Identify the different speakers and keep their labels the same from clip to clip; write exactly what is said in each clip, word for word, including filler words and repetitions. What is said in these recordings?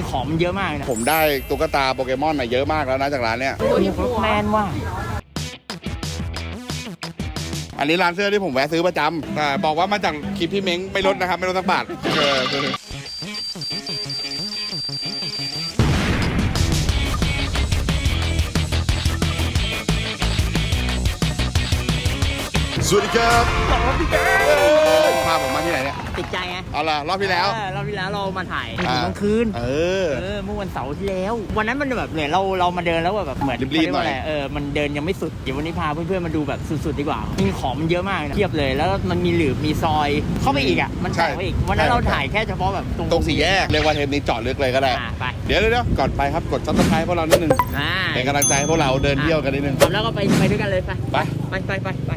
Speaker 1: ของมันเยอะมากนะ
Speaker 2: ผมได้ตุ๊กตาโปเกมอนมาเยอะมากแล้วนะจากร้านเนี้ย
Speaker 1: แมนว่า
Speaker 2: อันนี้ร้านเสื้อที่ผมแวะซื้อประจำแต่บอกว่ามาจากคลิปพี่เม้งไม่ลดนะครับไม่ลดสักบาทเออสวัสดีครับพาผมมาที่ไหนเนี่ย
Speaker 1: ติดใจไง
Speaker 2: เอาล่ะรอบที่แล้ว
Speaker 1: รอบที่แล้วเรามาถ่ายถึงกลางคืน
Speaker 2: เออ
Speaker 1: เออเมื่อวันเสาร์ที่แล้ววันนั้นมันแบบเหมือนเราเรามาเดินแล้วแบบเหมือน
Speaker 2: รีบๆหน่อย
Speaker 1: เออมันเดินยังไม่สุดเดี๋ยววันนี้พาเพื่อนๆมาดูแบบสุดๆดีกว่ามีของมันเยอะมากนะเทียบเลยแล้วมันมีหลืบมีซอยเข้าไปอีกอ่ะมันแตกไปอีกวันนั้นเราถ่ายแค่เฉพาะแบบตรง
Speaker 2: ตรงสี่แยกเรียกว่าเทปนี้จอดลึกเลยก็ได้
Speaker 1: ไป
Speaker 2: เดี๋ยวเดี๋ยวก่อนไปครับกดซับสไครป์พวกเรานิดนึงเป็นกำลังใจให้พวกเราเดินเที่ยวกันนิดนึง
Speaker 1: แล้วก็ไปไปด้วยกันเลยไปไปไปไปไป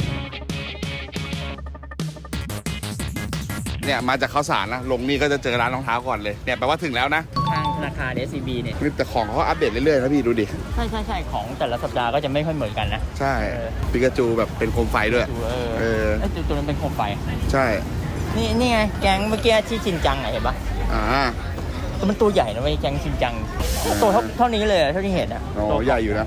Speaker 2: เนี่ยมาจากข้าวสารนะลงนี่ก็จะเจอร้านรองเท้าก่อนเลยเนี่ยแปลว่าถึงแล้วนะ
Speaker 1: ทางธนาคาร เอส ซี บี เนี่ย
Speaker 2: แต่ของเขาอัปเดตเรื่อยๆนะพี่ดูดิ
Speaker 1: ใช่ใช่ใช่ของแต่ละสัปดาห์ก็จะไม่ค่อยเหมือนกันนะ
Speaker 2: ใช่ปิกาจูแบบเป็นโคมไฟด้วย
Speaker 1: เออตัวนั้นเป็นโคมไฟ
Speaker 2: ใช่
Speaker 1: นี่นี่ไงแก๊งเมื่อกี้ที่ชินจังเห็นปะ
Speaker 2: อ่า
Speaker 1: ตัวมันตัวใหญ่นะเว้ยแก๊งชินจังตัวเท่าเท่านี้เลยเท่าที่เห็นอ่ะ
Speaker 2: โอ้ใหญ่อยู่นะ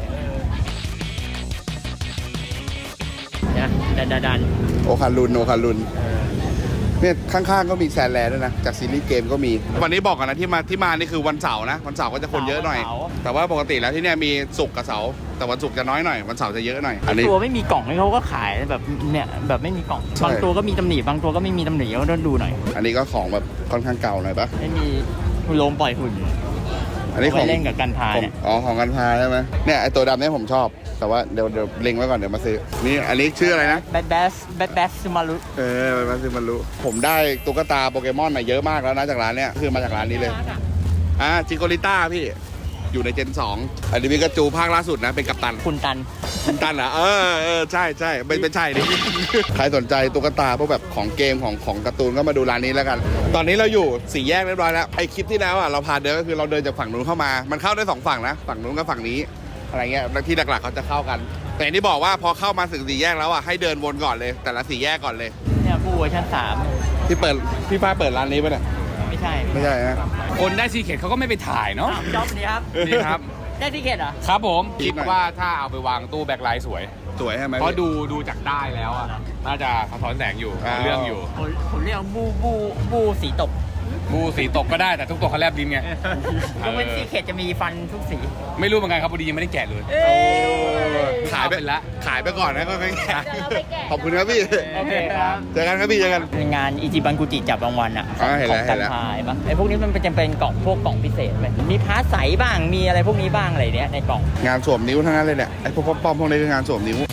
Speaker 1: นะดันดัน
Speaker 2: โอคารุนโอคารุนเนี่ยข้างๆก็มีแซนแลนด์ด้วยนะจากซีรีส์เกมก็มีวันนี้บอกกันนะที่มาที่มานี่คือวันเสาร์นะวันเสาร์ก็จะคนเยอะหน่อยแต่ว่าปกติแล้วที่เนี่ยมีศุกร์กับเสาร์แต่วันศุกร์จะน้อยหน่อยวันเสาร์จะเยอะหน่อย
Speaker 1: อันนี้ตัวไม่มีกล่องนี่เขาก็ขายแบบเนี่ยแบบไม่มีกล่องบางตัวก็มีตำหนิบางตัวก็ไม่มีตำหนิก็ต้องดูหน่อย
Speaker 2: อันนี้ก็ของแบบค่อนข้างเก่าหน่อยปะ
Speaker 1: ไม่มีโลมปล่อยหุ่น
Speaker 2: อันนี้ของ
Speaker 1: เล่นกับกันพาเนี่ย
Speaker 2: อ๋อของกันพาใช่ไหมเนี่ยไอตัวดำเนี่ยผมชอบแต่ว่าเดี๋ยวเดี๋ยวเล็งไว้ก่อนเดี๋ยวมาซื้อนี่อันนี้ชื่ออะไรนะ
Speaker 1: แบทแบสแบทแบสซูมารุ
Speaker 2: เออแบทแบสซูมารุผมได้ตุ๊กตาโปเกมอนมาเยอะมากแล้วนะจากร้านเนี้ยคือมาจากร้านนี้เลยอ่าจิโกริต้าพี่อยู่ในเจนสองอันนี้มีกระจูภาคล่าสุดนะเป็นกัปตัน
Speaker 1: คุณตัน
Speaker 2: คุณตันเหรอเออเออใช่ใช่ไม่ไม่ใช่ดิใครสนใจตุ๊กตาพวกแบบของเกมของของการ์ตูนก็มาดูร้านนี้แล้วกันตอนนี้เราอยู่สี่แยกเรียบร้อยแล้วไอคลิปที่แล้วอ่ะเราพาเดินก็คือเราเดินจากฝั่งนู้นเข้ามามันเข้าได้สองฝั่งนะฝั่งนู้นกับฝั่งนี้อะไรเงี้ยที่หลักๆเขาจะเข้ากันแต่ที่บอกว่าพอเข้ามาถึงสี่แยกแล้วอ่ะให้เดินวนก่อนเลยแต่ละสี่แยกก่อนเลย
Speaker 1: เนี่ยผู้เวอร์ชันสาม
Speaker 2: ที่เปิดพี่ฟ้าเปิดร้านนี้ป่ะเนี่ย
Speaker 1: ไม่ใช่
Speaker 2: ไม่ใช่นะ
Speaker 3: คนได้ซีเคทเขาก็ไม่ไปถ่ายเนาะ
Speaker 1: จ็อบนี่ครับ
Speaker 3: นี่ครับ
Speaker 1: ได้ซีเคทเหรอ
Speaker 3: ครับผมคิดว่าถ้าเอาไปวางตู้แบ็คไลท์สวย
Speaker 2: สวยใช่ไหม
Speaker 3: เพราะดูดูจากได้แล้วอ่ะน่าจะสะท้อนแสงอยู่เรื่องอยู่
Speaker 1: ผมเรียกบูบูบูสีตก
Speaker 3: บูสีตกก็ได้แต่ทุกตัวเขาแลบลิ้นไง
Speaker 1: ยกเว้นซีเคทจะมีฟันทุกสี
Speaker 3: ไม่รู้เหมือนกันครับพอดียังไม่ได้แกะเลย
Speaker 2: ขายไปแล้วขายไปก่อนนะก็ไม่แกะขอบคุณครับพี่
Speaker 1: โอเคครับ
Speaker 2: เจอกันครับพี่เจอกัน
Speaker 1: งานอิจิบันกุจิจับรางวัลอ่ะของกันพายปะไอพวกนี้มันจะเป็นกล่องพวกกล่องพิเศษไหมมีพาร์ทใสบ้างมีอะไรพวกนี้บ้างอะไรเนี้ยในกล่อง
Speaker 2: งานสวมนิ้วทั้งนั้นเลยเนี่ยไอพวกป้อมพวกนี้คืองานสวมนิ้ว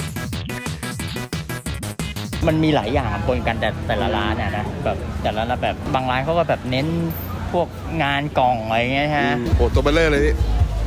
Speaker 1: มันมีหลายอย่างปนกันแต่แต่ละร้านอ่ะนะแบบแต่ละแบบบางร้านเขาก็แบบเน้นพวกงานกล่องอะไรเงี้ยฮะ
Speaker 2: โอ้ตัวเบลเลอร์เลยพี่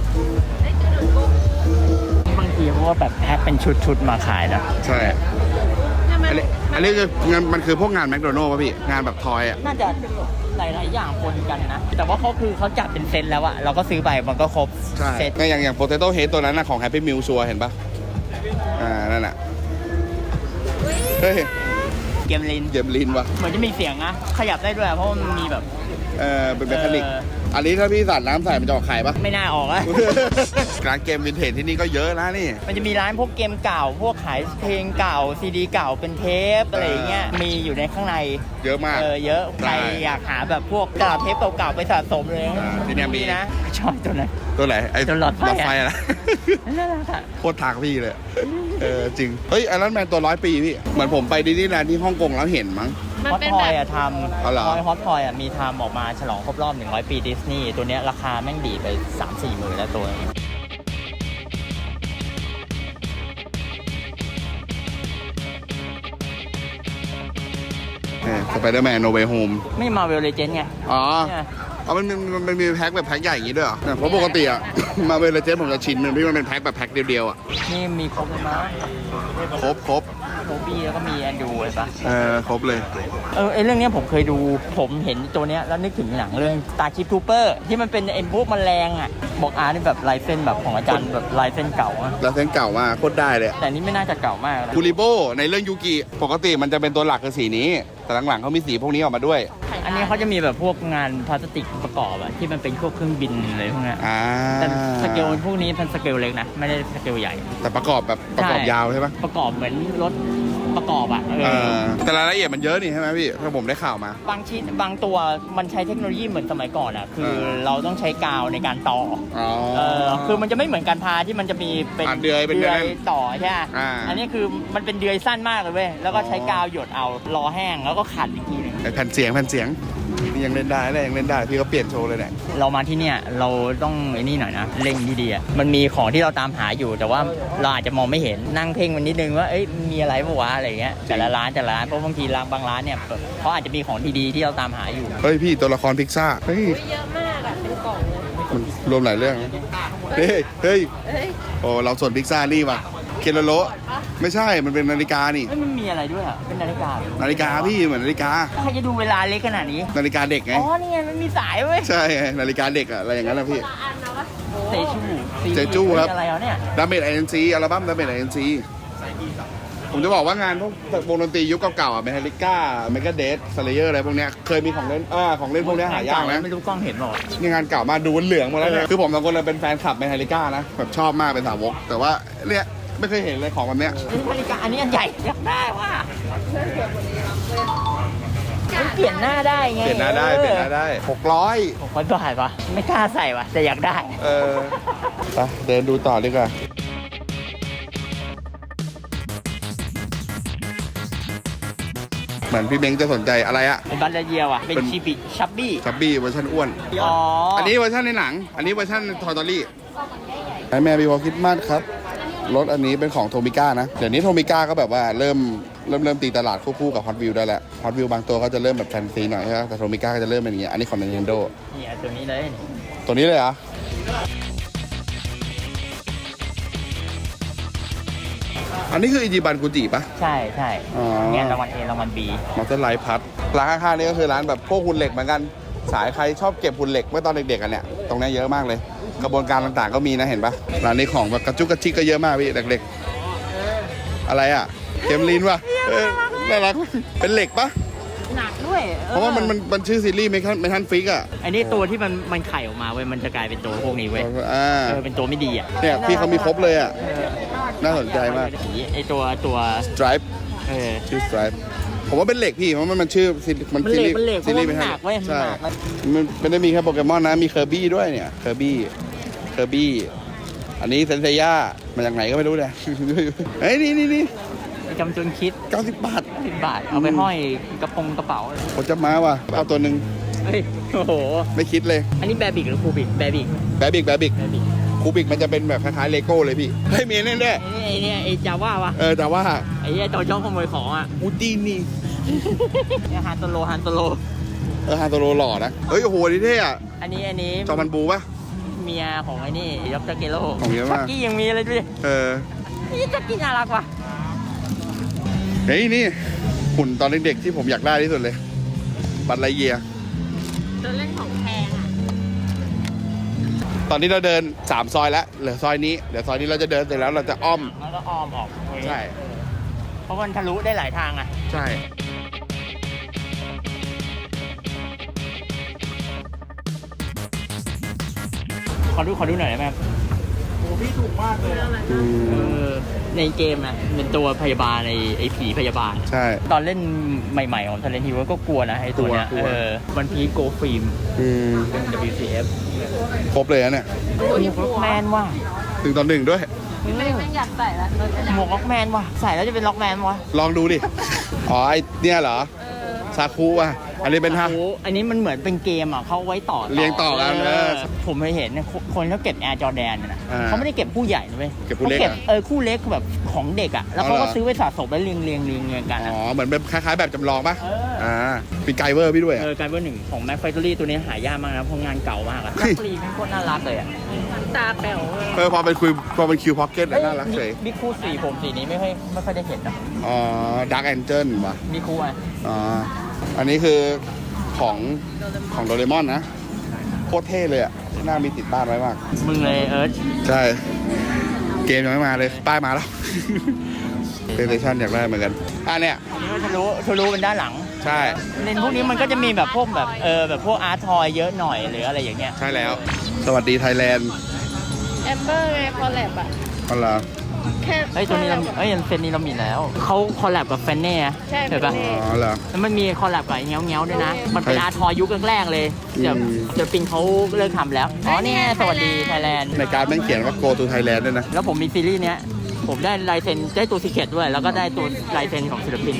Speaker 1: บางทีเขาก็แบบแพ็คเป็นชุดๆมาขายนะ
Speaker 2: ใช่อันนี้อันนี้คืองานมันคือพวกงานแมคโดนัลด์ป่ะพี่งานแบบทอยอ่ะ
Speaker 1: น่าจะหลายๆอย่างปนกันนะแต่ว่าเขาคือเขาจัดเป็นเซตแล้วอะเราก็ซื้อไปมันก็ครบ
Speaker 2: เซตอย่างอย่างโปเตโต้เฮดตัวนั้นนะของแฮปปี้มิลชัวเห็นปะอ่านั่นแหละเฮ้ย
Speaker 1: เกมลิน
Speaker 2: เกมลินวะ
Speaker 1: เหมือนจะมีเสียงนะขยับได้ด้วยเพราะมันมีแบบ
Speaker 2: เออเป็นเมคานิกอันนี้ถ้าพี่สาดน้ำใส่มันจะออกไข่ปะ
Speaker 1: ไม่น่าออกอะ
Speaker 2: ร้านเกมวินเทจที่นี่ก็เยอะนะนี่
Speaker 1: มันจะมีร้านพวกเกมเก่าพวกขายเพลงเก่าซีดีเก่าเป็นเทปอะไรเงี้ยมีอยู่ในข้างใน
Speaker 2: เยอะมาก
Speaker 1: เออเยอะใครอยากหาแบบพวกกระดาษเทปเก่าๆไปสะสมเลย
Speaker 2: ที่นี่มี
Speaker 1: นะชอบตัวไหน
Speaker 2: ตัวไหนไอ้
Speaker 1: ตัวหลอดไฟ
Speaker 2: อะไร
Speaker 1: น่ารักอะ
Speaker 2: โคตรทางพี่เลยเออจริงเฮ้ยไอรอนแมนตัวร้อยปีพี่เหมือนผมไปดิสนีย์แลนด์ที่ฮ่องกงแล้วเห็นมั้ง
Speaker 1: ฮอตทอยอะทำฮอตทอยอะมีทำออกมาฉลองครบรอบหนึ่งร้อยปีดิสนีย์ตัวเนี้ยราคาแม่งดีไป สามสี่ หมื่นแล้วตัว
Speaker 2: สไปเดอร์แมนโนเวย์โฮม
Speaker 1: ไม่มาเวลเลเจนด์ไง
Speaker 2: อ๋ออ๋อมันมันมันมีแพ็คแบบแพ็คใหญ่อย่างนี้ด้วยเหรอเพราะปกติอะมาเวลเลเจนด์ผมจะชินมันที่มันเป็นแพ็คแบบแพ็คเดียวๆอะ
Speaker 1: นี่มีครบเลยมั้ย
Speaker 2: ครบครบ
Speaker 1: โทบี้แล้วก็มีแอนดูเลยปะ
Speaker 2: เออครบเลย
Speaker 1: เออไอเรื่องนี้ผมเคยดูผมเห็นตัวเนี้ยแล้วนึกถึงหนังเรื่องตาชิปทูเปอร์ที่มันเป็นไอ้พวกแมลงอ่ะบอกอาร์นี่แบบลายเส้นแบบของอาจารย์แบบลายเส้นเก่าอะ
Speaker 2: ลายเส้นเก่ามากโคตรได้เลย
Speaker 1: แต่นี่ไม่น่าจะเก่ามาก
Speaker 2: คูริโบในเรื่องยูกิปกติมันจะเป็นตัวหลักคือสีนี้แต่หลังๆเขามีสีพวกนี้ออกมาด้วย
Speaker 1: อันอันนี้เขาจะมีแบบพวกงานพลาสติกประกอบอะที่มันเป็นพวกเครื่องบินอะไรพวกเนี้ย
Speaker 2: อ่า
Speaker 1: แต่สเกลพวกนี้เป็นสเกลเล็กนะไม่ได้สเกลใหญ่
Speaker 2: แต่ประกอบแบบประกอบ
Speaker 1: ใช่
Speaker 2: ยาวใช่ปะ
Speaker 1: ประกอบเหมือนรถประกอบอะเอ
Speaker 2: เอ
Speaker 1: อ
Speaker 2: อแต่รายละเอียดมันเยอะนี่ใช่ไหมพี่ถ้าผมได้ข่าวมา
Speaker 1: บางชิ้นบางตัวมันใช้เทคโนโลยีเหมือนสมัยก่อนอะคือ
Speaker 2: เออ
Speaker 1: เราต้องใช้กาวในการต่อ
Speaker 2: อ๋อ
Speaker 1: เออคือมันจะไม่เหมือนการพาที่มันจะมีเป็น
Speaker 2: อ่ะเดือยเป็นเดือย
Speaker 1: ต่อใช่ไหม
Speaker 2: อ่า
Speaker 1: อันนี้คือมันเป็นเดือยสั้นมากเลยเว้ยแล้วก็ใช้กาวหยดเอารอแห้งแล้วก็ขัดอีกทีหนึง
Speaker 2: ไอ้แผ่นเสียงแผ่นเสียงนี่ยังเล่นได้เลยยังเล่นได้พี่ก็เปลี่ยนโชว์เลยเนี่ย
Speaker 1: เรามาที่เนี่ยเราต้องไอ้นี่หน่อยนะเล็งดีๆอะมันมีของที่เราตามหาอยู่ แต่ว่าเราอาจจะมองไม่เห็นนั่งเพ่งมันนิดนึงว่าเอ้ยมีอะไรปะวะอะไรเงี้ยแต่ละร้านแต่ละร้านเพราะบางทีร้านบางร้านเนี่ยเขาอาจจะมีของดีๆที่เราตามหาอยู่
Speaker 2: เฮ้ยพี่ตัวละครพิกซ่าเฮ้ย
Speaker 4: เยอะมากอะเป็นกล่องเลย
Speaker 2: มันรวมหลายเรื่องเฮ้ยเฮ้ย
Speaker 4: เฮ้ย
Speaker 2: โอ้เราส่วนพิกซ่านี่ว่ะเคโลโลไม่ใช่มันเป็นนาฬิกานี่
Speaker 1: เอ้ยมันมีอะไรด้วยอ่ะเป็นนาฬิกาเหรอ
Speaker 2: นาฬิกาพี่เหมือนนาฬิกา
Speaker 1: ใครจะดูเวลาเล็กขนาดนี้
Speaker 2: นาฬิกาเด็กไง
Speaker 1: อ๋อนี่ไงมันมีสายเว้ย
Speaker 2: ใช่ไงนาฬิกาเด็กอะอะไรอย่างนั้นนะพี่
Speaker 4: ละอันนะวะ
Speaker 1: เซจู
Speaker 2: เซจูครับ
Speaker 1: อะไรเหรอเนี่ย
Speaker 2: ดาเมจไอเอ็นซีอัลบั้มดาเมจไอเอ็นซีผมจะบอกว่างานพวกวงดนตรียุคเก่าๆอ่ะเมทัลลิก้าเมกาเดสสเลเยอร์อะไรพวกเนี้ยเคยมีของเล่นอ่าของเล่นพวกเนี้ยหายากนะ
Speaker 1: ไม่รู้กล้องเห็นหรอ
Speaker 2: นี่งานเก่ามากดูเหลืองหมาแล้วเนี่ยคือผมสองคนเลยเป็นแฟนคลับเมทัลลิก้านะแบบชอบมากเป็นสาวกแต่ว่าเนี่ยไม่เคยเห็นเลยของแบบเนี้ย
Speaker 1: นาฬิกาอันนี้อันใหญ่อยากได้ว่ะมันเปลี่ยนหน้าได้ไง
Speaker 2: เปลี่ยนหน้าได้เปลี่ยนหน้าได้หกร้อย
Speaker 1: ผมก็บาทวะไม่กล้าใส่วะแต่อยากได้
Speaker 2: เออไปเดินดูต่อดีกว่าเหมือนพี่เม้งจะสนใจอะไรอะ
Speaker 1: เป็นบัตรเยียว่ะเป็น
Speaker 2: เป็น
Speaker 1: ชิบิชับบี้
Speaker 2: ชับบี้เวอร์ชันอ้วน
Speaker 1: อ๋อ
Speaker 2: อั
Speaker 1: อั
Speaker 2: นนี้เวอร์ชันในหนัง อันนี้เวอร์ชันทอร์ตอรี่ไอแม่บีวอลคิดมากครับ รถอันนี้เป็นของโทมิก้านะ เดี๋ยวนี้โทมิก้าก็แบบว่าเริ่มเริ่มเริ่มตีตลาดคู่ๆกับฮอตวิวได้แล้วฮอตวิวบางตัวก็จะเริ่มแบบแฟนซีหน่อยใช่ไหมแต่โทมิก้าก็จะเริ่มเป็นอย่างเงี้ย อันนี้ของ Nintendo
Speaker 1: นี่อ่ะตัวนี้เลย
Speaker 2: ตัวนี้เลยเหรอ อันนี้คืออิจิบันกุจิปะ
Speaker 1: ใช่ใช่
Speaker 2: อ๋อ
Speaker 1: เนี่ยรางวัลเอรางวัลบี
Speaker 2: มอเตอร์ไลท์พัดร้านข้างๆนี่ก็คือร้านแบบพวกหุ่นเหล็กเหมือนกัน สายใครชอบเก็บหุ่นเหล็กเมื่อตอนเด็กๆกันเนี่ย ตรงนี้เยอะมากเลย กระบวนการต่างๆก็มีนะเห็นปะร้านนี้ของแบบกระจุกกระชิกก็เยอะมากพี่เด็กๆอะไรอ่ะเกมลินวะเออน่ารักเป็นเหล็กปะ
Speaker 1: หนักด้วย
Speaker 2: เพราะว่ามันมันมันชื่อซีรีส์เมทันเมทันฟิกอ่ะ
Speaker 1: อันนี้ตัวที่มันมันไข่ออกมาเว้ยมันจะกลายเป็นตัวพวกนี้เว้ย
Speaker 2: อ่า
Speaker 1: เออเป็นตัวไม่ดีอ่ะ
Speaker 2: เนี่ยพี่เขามีครบเลยอ่ะ
Speaker 1: เออ
Speaker 2: น่าสนใจมาก
Speaker 1: ไอตัวตัว
Speaker 2: Stripe
Speaker 1: เออ
Speaker 2: ชื่อ Stripe ผมว่าเป็นเหล็กพี่เพราะมันมันชื่อซีรีส์มัน
Speaker 1: มัน
Speaker 2: ซี
Speaker 1: เหล็
Speaker 2: รี
Speaker 1: ก
Speaker 2: ส์
Speaker 1: มันเหล็กเพ
Speaker 2: ซี
Speaker 1: ราะ
Speaker 2: รี
Speaker 1: ว่า
Speaker 2: ส์
Speaker 1: มันหนักเว้ยมัน
Speaker 2: ใช่
Speaker 1: หนักมัน
Speaker 2: มันไม่ได้มีแค่โปเกมอนนะมีเคอร์บี้ด้วยเนี่ยเคอร์บี้เคอร์บี้อันนี้เซนเซย่ามาจากไหนก็ไม่รู้เนี่ยเฮ้ยนี่นี่นี่
Speaker 1: จำจนคิด
Speaker 2: เก้าสิบบาท
Speaker 1: สิบบาท เอาไปห้อยกระโปรงกระเป๋า
Speaker 2: ผมจะมาว่ะเอาตัวหนึ่ง
Speaker 1: เฮ้ย โอ้โห
Speaker 2: ไม่คิดเลย
Speaker 1: อันนี้แบบิกหรือคูบิกแบบิก
Speaker 2: แบบิกแบบิก
Speaker 1: แบบิก
Speaker 2: คูบิกมันจะเป็นแบบคล้ายๆเลโก้เลยพี่เฮ้ยมีแน่แน่
Speaker 1: ไอ้เนี่ยไอ้จาว่าวะ
Speaker 2: เออแต่ว่า
Speaker 1: ไอ้เนี่ยตัวชอบขโมยของอ่ะ
Speaker 2: อูดีนี่
Speaker 1: เนี่ยฮันโตโลฮันโตโล
Speaker 2: เออฮาโตโรหล่อนะเฮ้ยโอ้โหนี่เท่อะ
Speaker 1: อันนี้อันนี้
Speaker 2: จอมันบูปะ
Speaker 1: เมียของไอ้นี่ยอกจากเกโร่
Speaker 2: ของเยอะมาก
Speaker 1: ชักกี้ยังมีเลยดูดิ
Speaker 2: เออ
Speaker 1: นี่ชักกี้น่ารักว่ะ
Speaker 2: เฮ้ยนี่หุ่นตอนเด็กๆที่ผมอยากได้ที่สุดเลยบัตรไลเยีย
Speaker 4: ตัวเล่นของแพงอะ
Speaker 2: ตอนนี้เราเดินสามซอยแล้วเหลือซอยนี้เดี๋ยวซอยนี้เราจะเดินเสร็จแล้วเราจะอ้อม
Speaker 1: แล้วก็อ้อมออก
Speaker 2: ใช่
Speaker 1: เพราะมันทะลุได้หลายทางอ่ะ
Speaker 2: ใช่
Speaker 1: ขอดูขอดูหน่อยได้ไหมครับ
Speaker 2: อืม
Speaker 1: เออในเกมนะเป็นตัวพยาบาลในไอ้ผีพยาบาล
Speaker 2: ใช่
Speaker 1: ตอนเล่นใหม่ๆของท a เลนทีวก็กลัวนะไอ้ตัวเนี้ย
Speaker 2: กลัวกลัว
Speaker 1: เออวันพีโกฟิล์ม
Speaker 2: อืม
Speaker 1: ดับเบิลยู ซี เอฟ
Speaker 2: ครบเลยนะเนี่ย
Speaker 1: หมวกล็อกแมนว่ะ
Speaker 2: ถึงตอนหนึ่งด้วย
Speaker 4: ไม่ไม่อยากใส่ละ
Speaker 1: หมวกล็อกแมนว่ะใส่แล้วจะเป็นล็อกแมนวะ
Speaker 2: ลองดูดิ อ๋อไอเนี่ยเหรอซาคุว่ะอันนี้เป็นฮะ
Speaker 1: โอ้โหอันนี้มันเหมือนเป็นเกมอ่ะเขาเอาไว้ต่อ
Speaker 2: เรียงต่อกันเออ
Speaker 1: ผมเคยเห็นเนี่ยคนคนเขาเก็บแอร์จอแดนนะ
Speaker 2: อ่า
Speaker 1: เขาไม่ได้เก็บผู้ใหญ่นะเว้ย
Speaker 2: เก็บผู้เล็ก
Speaker 1: ขา
Speaker 2: อะ
Speaker 1: เออคู่เล็กแบบของเด็กอ่ะแล้วเขา
Speaker 2: อ๋อเหร
Speaker 1: ก็
Speaker 2: อ
Speaker 1: ซื้อไว้สะสมแล้วเรียงเรียงเรียงเรียงกัน
Speaker 2: อ๋
Speaker 1: อะ
Speaker 2: อเหมือนแบบคล้ายๆแบบจำลองปะ
Speaker 1: เออ
Speaker 2: อ่ามีไกเวอร์พี่ด้วย
Speaker 1: เอ
Speaker 2: อะ
Speaker 1: อกลายเป็นหนึ่งของแม็กไฟตอรี่ตัวนี้หายากมากนะเพราะงานเก่ามากอะ
Speaker 2: เฮ้ย
Speaker 1: นักรีเป็นคนน่ารักเลยอะ
Speaker 4: ตาแป๋วเลย
Speaker 2: เออพอเป็นคุยพอเป็นคิวพ็อกเก็ตน่ารักเฉย
Speaker 1: บิ๊กคูสีผมสีนี้ไม่ค่อยไม่ค่อยได้เห็นนะ
Speaker 2: อ๋อดักแอนเจิลว่ะ
Speaker 1: บิ๊กคูอ่ะ
Speaker 2: อ๋ออันนี้คือของของโดเรมอนนะโคตรเท่เลยอะหน้ามีติดบ้านไว้มาก
Speaker 1: มึงเลยเอิร์ธ
Speaker 2: ใช่ เกมยังไม่มาเลย ป้ายมาแล้ว เพลย์สเตชันอยากได้เหมือนกัน อ่ะเนี่ย
Speaker 1: อันนี้ก็ทะลุทะลุเป็นด้านหลัง
Speaker 2: ใช่
Speaker 1: เลนส์พวกนี้มันก็จะมีแบบพวกแบบเออแบบพวกอาร์ตทอยเยอะหน่อยหรืออะไรอย่างเงี้ย
Speaker 2: ใช่แล้ว สวัสดีไทยแลนด์
Speaker 4: แอมเบอร์ไงคอลแลบอ่ะ
Speaker 2: เอาล่ะ
Speaker 4: แค่
Speaker 1: เฮ้ยตัวนี้เราเฮ้ยเซนนี้เรามีแล้วเขาคอลแลบกับแฟนเน่
Speaker 4: ใช่
Speaker 1: เห็นปะ
Speaker 4: แฟนเน่
Speaker 2: อ๋อเหรอ
Speaker 1: แล้วมันมีคอลแลบกับเงี้ยวเงี้ยวๆด้วยนะ มันเป็นอาร์ทอยยุคแรกๆเลยเดี๋ยว
Speaker 2: อืม
Speaker 1: เดี๋ยวปิงเขาเลิกทำแล้วอ๋อเนี่ยสวัสดีไทยแลนด์
Speaker 2: ในการดแม่งเขียนว่า go to Thailand ด้วยนะ
Speaker 1: แล้วผมมีซีรีส์เนี้ยผมได้ลายเซ็นได้ตัวซีเคร็ตด้วย แล้วก็ได้ตัวลายเซ็นของศิลปิน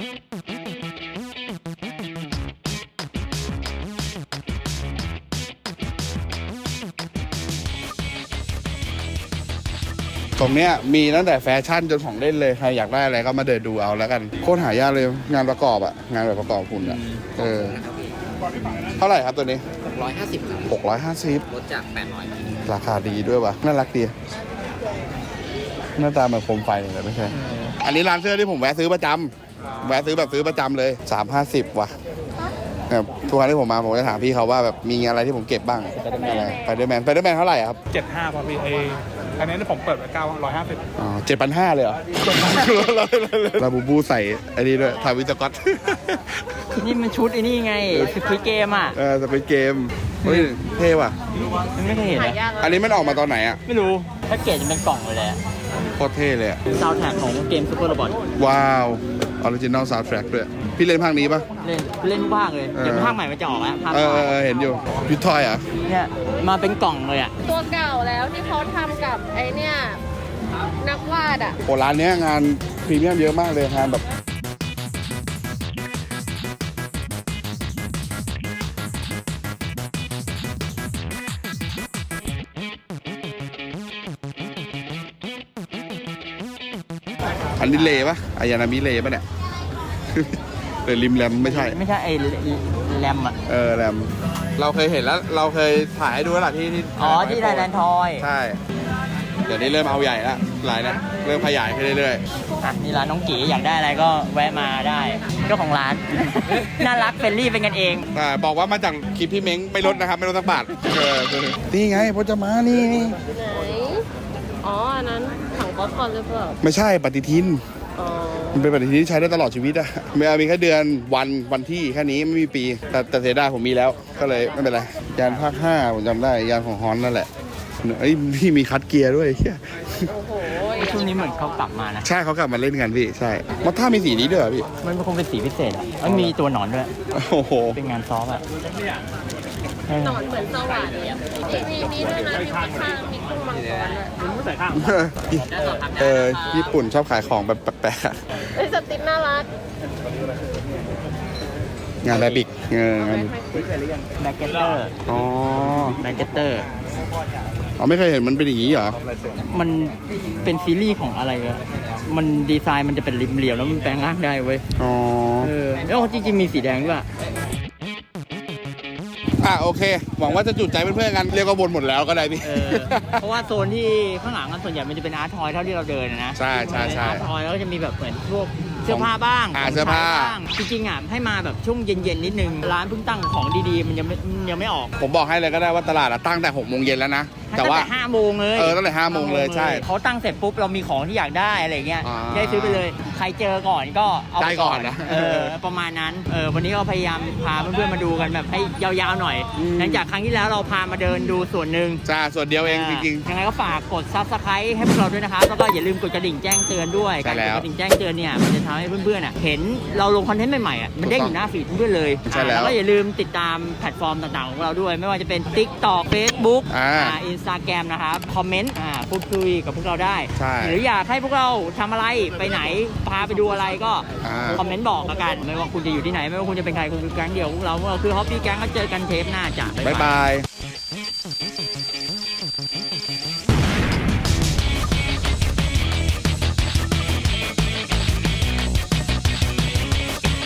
Speaker 2: ตรงเนี้ยมีตั้งแต่แฟชั่นจนของเล่นเลยใครอยากได้อะไรก็มาเดินดูเอาแล้วกันโคตรหายากเลยงานประกอบอะงานแบบประกอบหุ่นอะเออเท่าไหร่ครับตัวนี้
Speaker 5: หกร้อยห้าสิบครับ
Speaker 2: หกร้อยห้าสิบ
Speaker 5: ลดจากแปดร้อย
Speaker 2: ราคาดีด้วยวะน่ารักดีหน้าตาเหมือนโคมไฟเลยไม่ใช่อันนี้ร้านเสื้อที่ผมแวะซื้อประจำแวะซื้อแบบซื้อประจำเลยสามห้าสิบว่ะแบบทุกครั้งที่ผมมาผมจะถามพี่เขาว่าแบบมีอะไรที่ผมเก็บบ้างอะไรไปเดอร์แมนไปเดอร์แมนเท่าไหร่อะครับ
Speaker 3: เจ็ดห้าพอพี่เออันนี้ผมเปิดไว้เก้าร้อยห้าสิบ
Speaker 2: อ๋อเจ็ดพันห้าเลยเหรอ ลาบูบูใส่อันนี้ด้วยทาวิสกอต
Speaker 1: นี่มันชุดไอ้นี่ไงสควิดเกมอ่ะ
Speaker 2: เออจะเป็นเกมเฮ้ยเท่ว่ะ
Speaker 1: มันไม่เคยเห็น
Speaker 4: หา
Speaker 1: อะ
Speaker 4: ยาก
Speaker 2: อันนี้มันออกมาตอนไหนอ่ะ
Speaker 1: ไม่รู้แพ็กเกจมันเป็นกล่องเลยแหละ
Speaker 2: โคตรเท่เลยอะ
Speaker 1: ซาวด์แทร็กของเกมซูเปอร์โรบอท
Speaker 2: ว้าวออริจินอลซาวด์แทร็กด้วยพี่เล่นภาคนี้ปะ
Speaker 1: เล่นเล่นภาคเลย
Speaker 2: เออ
Speaker 1: เดี๋ยวภาคใหม่มันจะออกแล้วภาค
Speaker 2: เอ
Speaker 1: ให
Speaker 2: อ
Speaker 1: ม่
Speaker 2: เออเห็นอยู่ยุทธทอยเหรอ่ะ
Speaker 1: เนี่ยมาเป็นกล่องเลยอ่ะ
Speaker 4: ตัวเก่าแล้วที่เขาทำกับไอเนี่ยนักวาดอ่ะ
Speaker 2: โอ้ร้านเนี้ยงานพรีเมียมเยอะมากเลยงานแบบอันนี้เลปะอายานามิเลปะเนี่ย หรือริมแรมไม่ใช่
Speaker 1: ไม่ใช่ไอ้แรมอ่ะ
Speaker 2: เออแรมเราเคยเห็นแล้วเราเคยถ่ายให้ดูแล้วล่ะที่ที่
Speaker 1: อ๋อที่ไดแลนด์ทอย
Speaker 2: ใช่ เดี๋ยวนี้เริ่มเอาใหญ่แล้วลายเนี้ยเริ่มขยายขึ้นเรื่อย
Speaker 1: อ่ะนี่ร้านน้องกีอยากได้อะไรก็แวะมาได้เจ้าของร้าน น่ารักเฟรนลี่เป็นกันเอง
Speaker 2: ๆแต่บอกว่ามาจากคลิปพี่เม้งไม่ลดนะครับ ไม่ลดสักบาทเออนี่ไงพจมานี่นี่
Speaker 4: ไหน อ๋อ อันนั้นถังป๊อปคอร์นหรือเปล่า
Speaker 2: ไม่ใช่ปฏิทิน
Speaker 4: อ๋อ
Speaker 2: มันเป็นปฏิทินที่ใช้ได้ตลอดชีวิตอะไม่เอามีแค่เดือนวันวันที่แค่นี้ไม่มีปี แต่แต่เสียดายผมมีแล้ว ก็เลยไม่เป็นไร ยานภาคห้าผมจำได้ ยานของฮอนนั่นแหละเอ้ยพี่มีคัดเกียร์ด้วยเหี้ย
Speaker 4: โอ้โห
Speaker 1: ช่วงนี้เหมือนเขากลับมานะ
Speaker 2: ใช่เขากลับมาเล่นกันพี่ ใช่มอท่ามีสีนี้ด้วยเหรอพี่
Speaker 1: มันคงเป็นสีพิเศษอ่ะมันมีตัวหนอนด้วย
Speaker 2: โอ้โห
Speaker 1: เป็นงานซอฟต์อ่ะเออ
Speaker 4: หนอนเหมือนสว่านเลยอะมีมีด้วยนะมีข้างๆมีกุ้งมังกรด้วย
Speaker 2: เออญี่ปุ่นชอบขายของแบบแปลกๆอะ
Speaker 4: ไอ้ยสติ๊กน่ารัก
Speaker 2: งานแบบบิกเอองาน
Speaker 1: แบ็กเกตเตอร์
Speaker 2: อ๋อ
Speaker 1: แบ็กเกตเตอร์
Speaker 2: อ๋อไม่เคยเห็นมันเป็นอย่างนี้เหรอ
Speaker 1: มันเป็นซีรีส์ของอะไรอะมันดีไซน์มันจะเป็นริมเหลี่ยมแล้วมันแปลงร่างได้เว้ย
Speaker 2: อ๋อ
Speaker 1: เออแล้วจริงๆมีสีแดงด้วย
Speaker 2: อ่ะโอเค หวังว่าจะจุดใจเพื่อนๆกัน เรียกว่าบนหมดแล้วก็ได้พี่
Speaker 1: เออ เพราะว่าโซนที่ข้างหลังกันส่วนใหญ่มันจะเป็นอาร์ตทอยเท่าที่เราเดินอะนะ
Speaker 2: ใช่ใช่ใช่
Speaker 1: อาร์ตทอยแล้วก็จะมีแบบเหมือนพวกเสื้อผ้าบ้าง
Speaker 2: อ่า
Speaker 1: ของ
Speaker 2: เสื้อผ้า
Speaker 1: ใช้บ้างจริงๆอ่ะให้มาแบบช่วงเย็นๆนิดนึงร้านเพิ่งตั้งของดีๆมันยังไม่มันยังไม่ออก
Speaker 2: ผมบอกให้เลยก็ได้ว่าตลาดอะตั้งแต่หกโมงเย็นแล้วนะ แต่ว่า
Speaker 1: ตั้งห้าโมงเลย
Speaker 2: เออตั้งแต่ห้าโมงเลยใช่
Speaker 1: เขาตั้งเสร็จปุ๊บเรามีของที่อยากได้อะไรเงี้ย
Speaker 2: อ่า
Speaker 1: ได้ซื้อไปเลย ใครเจอก่อนก็เอาไป
Speaker 2: ได้ก่อนนะ
Speaker 1: เออประมาณนั้นเออวันนี้ก็พยายามพาเพื่อนๆมาดูกันแบบให้ยาวๆหน่อย
Speaker 2: อืม
Speaker 1: หลังจากครั้งที่แล้วเราพามาเดินดูส่วนหนึ่ง
Speaker 2: จ้าส่วนเดียวเองจริง
Speaker 1: ยังไงก็ฝากกด ซับสไครบ์ ให้พวกเราด้วยนะครับ แล้วก็อย่าลืมกดกระดิ่งแจ้งเตือนด้วย
Speaker 2: ใช่
Speaker 1: การ
Speaker 2: แล้
Speaker 1: กด
Speaker 2: ว
Speaker 1: กระดิ่งแจ้งเตือนเนี่ยมันจะทำให้เพื่อนๆอ่ะเห็นเราลงคอนเทนต์ใหม่ๆอ่ะมันเด้งอยู่หน้าฟีดเพื่อนๆเลย
Speaker 2: ใช่แล้ว
Speaker 1: อ่าก็อย่าลืมติดตามแพลตฟอร์มต่างๆของเราด้วย ไม่ว่าจะเป็น TikTok Facebook
Speaker 2: อ่า
Speaker 1: อ่า Instagram นะครับคอมเมนต์อ่าพูดคุยกับพวกเราได้
Speaker 2: ใช่
Speaker 1: หรืออยากให้พวกเราทำอะไรไปไหนพาไปดูอะไรก็
Speaker 2: อ่า
Speaker 1: คอมเมนต์บอกแล้วกันไม่ว่าคุณจะอยู่ที่ไหนไม่ว่าคุณจะเป็นใครคุณคือแก๊งเดียวพวกเราพวกเราคือฮอปปี้แก๊งก็เจอกันเทปหน้าจ้ะ
Speaker 2: ๆ บ๊ายบาย